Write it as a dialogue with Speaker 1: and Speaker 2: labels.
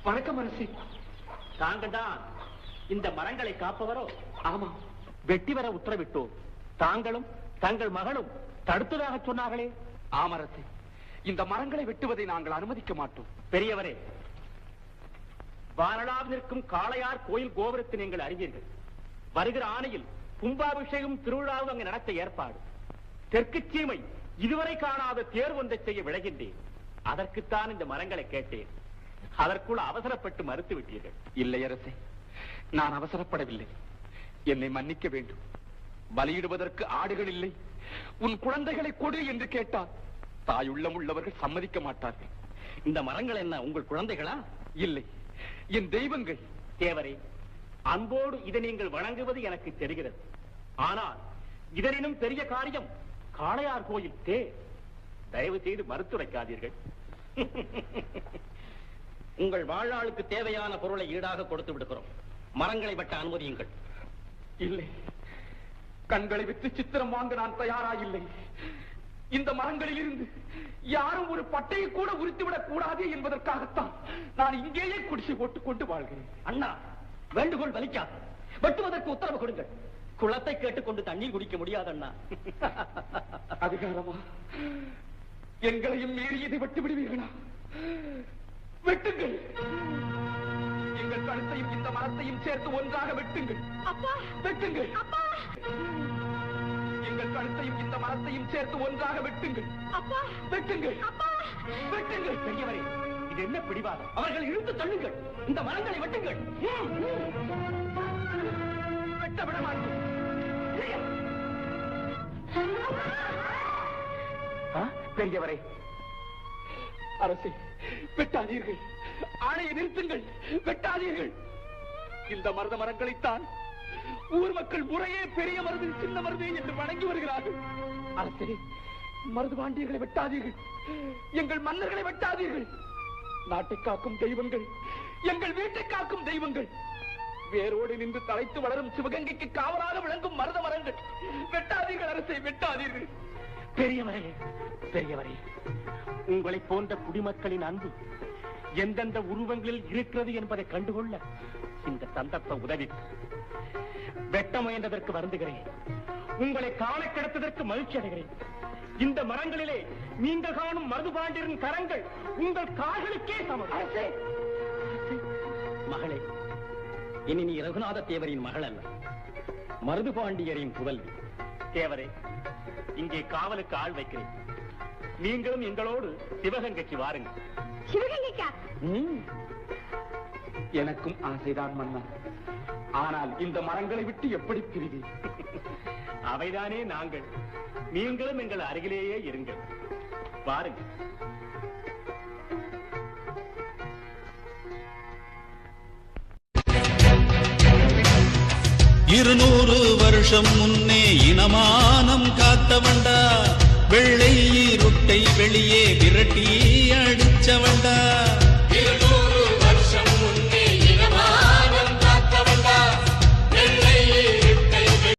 Speaker 1: வணக்கம் அரசி.
Speaker 2: தாங்கள் தான் இந்த மரங்களை காப்பவரோ?
Speaker 1: ஆமா.
Speaker 2: வெட்டி வர உத்தரவிட்டோம். தாங்களும் தங்கள் மகளும் தடுத்ததாக சொன்னார்களே?
Speaker 1: ஆமரசி, இந்த மரங்களை வெட்டுவதை நாங்கள் அனுமதிக்க மாட்டோம்.
Speaker 2: பெரியவரே, வானளாவில் இருக்கும் காளையார் கோயில் கோபுரத்தை நீங்கள் அறிவீர்கள். வருகிற ஆணையில் கும்பாபிஷேகம் திருவிழாவும் அங்கு நடத்த ஏற்பாடு. தெற்கு சீமை இதுவரை காணாத தேர் ஒன்றை செய்ய விளைகின்றேன். அதற்குத்தான் இந்த மரங்களை கேட்டேன். அதற்குள் அவசரப்பட்டு மறுத்து விட்டீர்கள்.
Speaker 1: இல்லை அரசே, நான் அவசரப்படவில்லை. என்னை மன்னிக்க வேண்டும். பலியிடுவதற்கு ஆடுகள் இல்லை, உன் குழந்தைகளை கொடு என்று கேட்டால் தாயுள்ளம் உள்ளவர்கள் சம்மதிக்க மாட்டார்கள்.
Speaker 2: இந்த மரங்கள் என்ன உங்கள் குழந்தைகளா?
Speaker 1: இல்லை, என் தெய்வங்கள்.
Speaker 2: தேவரே, அன்போடு இதை நீங்கள் வணங்குவது எனக்கு தெரிகிறது. ஆனால் இதனினும் பெரிய காரியம் காளையார் கோயில் தேர். தயவு செய்து மறுத்துரைக்காதீர்கள். உங்கள் வாழ்நாளுக்கு தேவையான பொருளை ஈடாக கொடுத்து விடுகிறோம். மரங்களை வெட்ட அனுமதியுங்கள்.
Speaker 1: இல்லை, கண்களை விட்டு சித்திரம் வாங்க நான் தயாராயில்லை. இந்த மரங்களில் இருந்து யாரும் ஒரு பட்டையை கூட உரித்துவிடக் கூடாது என்பதற்காகத்தான் நான் இங்கேயே குடிசை போட்டுக் கொண்டு வாழ்கிறேன்.
Speaker 2: அண்ணா, வேண்டுகோள் வலிக்காது. வெட்டுவதற்கு உத்தரவு கொடுங்கள். குளத்தை கேட்டுக்கொண்டு தண்ணீர் குடிக்க முடியாது அண்ணா.
Speaker 1: அதிகாரமா? எங்களையும் மீறி இதை வெட்டு விடுவீர்களா? வெட்டுங்கள். எங்கள் கழுத்தையும் இந்த மரத்தையும் சேர்த்து ஒன்றாக வெட்டுங்கள். வெட்டுங்கள். எங்கள் கழுத்தையும் இந்த மரத்தையும் சேர்த்து ஒன்றாக வெட்டுங்கள். வெட்டுங்கள். வெட்டுங்கள்.
Speaker 2: பெரியவரே, இது என்ன பிடிவாதம்? அவர்கள் இழுத்து தள்ளுங்கள். இந்த மரங்களை வெட்டுங்கள்.
Speaker 1: வெட்ட விட மாட்டோம். பெரியவரே, அரசே, வெட்டாதீர்கள். ஆணையை நிறுத்துங்கள். வெட்டாதீர்கள். இந்த மருத மரங்களைத்தான் ஊர் மக்கள் முறையே பெரிய மருது, சின்ன மருது என்று வணங்கி வருகிறார்கள். அரசே, மருது பாண்டியர்களை வெட்டாதீர்கள். எங்கள் மன்னர்களை வெட்டாதீர்கள். நாட்டை காக்கும் தெய்வங்கள், எங்கள் வீட்டை காக்கும் தெய்வங்கள், வேரோடு நின்று தலைத்து வளரும் சிவகங்கைக்கு காவலாக விளங்கும் மருத மரங்கள். வெட்டாதீர்கள் அரசே, வெட்டாதீர்கள்.
Speaker 2: பெரியவரே, பெரியவரே, உங்களை போன்ற குடிமக்களின் அன்பு எந்தெந்த உருவங்களில் இருக்கிறது என்பதை கண்டுகொள்ள இந்த சந்தர்ப்பம் உதவி. வெட்ட முயன்றதற்கு வருந்துகிறேன். உங்களை காண கிடைத்ததற்கு மகிழ்ச்சி அடைகிறேன். இந்த மரங்களிலே நீங்கள் காணும் மருதுபாண்டியரின் கரங்கள் உங்கள் கால்களுக்கே சமம். மகளே, இனி நீ ரகுநாத தேவரின் மகள் அல்ல, மருதுபாண்டியரின் புதல்வி. தேவரே, இங்கே காவலுக்கு ஆள் வைக்கிறேன். நீங்களும் எங்களோடு சிவகங்கைக்கு வாருங்கள்.
Speaker 3: சிவகங்கைக்கா?
Speaker 1: எனக்கும் ஆசைதான் மன்னா. ஆனால் இந்த மரங்களை விட்டு எப்படி பிரிவேன்?
Speaker 2: அவைதானே நாங்கள். நீங்களும் எங்கள் அருகிலேயே இருங்கள். வாருங்கள்.
Speaker 4: 200 வருஷம் முன்னே இனமானம் காத்தவண்டா, வெள்ளை இருட்டை வெளியே விரட்டி அடிச்சவண்டா.